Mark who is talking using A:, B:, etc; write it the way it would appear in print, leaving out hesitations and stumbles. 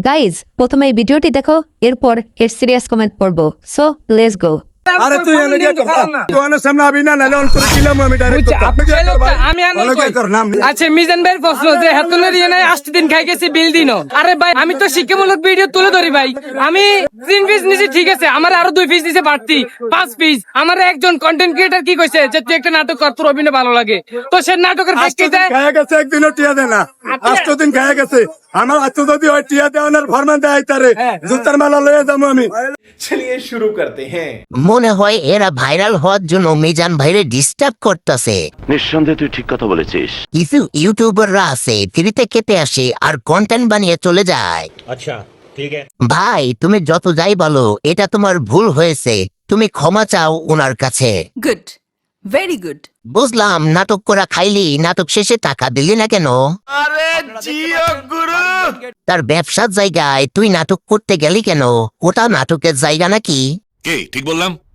A: Guys প্রথমে এই ভিডিওটি দেখো, এরপর এর সিরিয়াস কমেন্ট পড়বো। So let's go.
B: আরে তুই এনে গিয়ে তুই এনে সামনে আবি না নালে অন করে দিলাম আমি ডাইরেক্ট
C: আমি আচ্ছা মিজান ভাইয়ের প্রশ্ন যে হাতুলের ইয়ে নাই 8 দিন খাই গেছি বিল দিনো। আরে ভাই আমি তো শিক্ষামূলক ভিডিও তুলে ধরি ভাই। আমি 3 পিস নিছি ঠিক আছে, আমার আরো 2 পিস নিছে বাড়তি 5 পিস। আমার একজন কন্টেন্ট ক্রিয়েটর কি কইছে যে তুই একটা নাটক কর, তোর অভিনয় ভালো লাগে, তো সে নাটকের প্রেক্ষিতে
B: খায়া গেছে একদিনও টিয়া দেয় না, 8 দিন খায়া গেছে। আমার আজ যদি ওই টিয়া দেওয়ার ফরমান দেয় তারে জুতার মালা লয়ে যাবো আমি।
D: चलिए शुरू करते हैं।
E: মনে হয় এরা ভাইরাল হওয়ার জন্য মিজান ভাইরে ডিস্টার্ব করতেছে।
F: নিঃসন্দেহে তুই ঠিক কথা বলেছিস।
E: কিছু ইউটিউবাররা আছে ফ্রিতে খেতে আসে আর কন্টেন্ট বানিয়ে চলে যায়।
G: अच्छा ठीक है।
E: ভাই তুমি যত যাই বলো এটা তোমার ভুল হয়েছে, তুমি ক্ষমা চাও ওনার কাছে।
H: Good. Very good.
E: বুঝলাম নাটক করা খাইলি, নাটক শেষে টাকা দিলি না কেন? তার ব্যবসার জায়গায় তুই নাটক করতে গেলি কেন? ওটা নাটকের জায়গা নাকি?
F: কে ঠিক বললাম?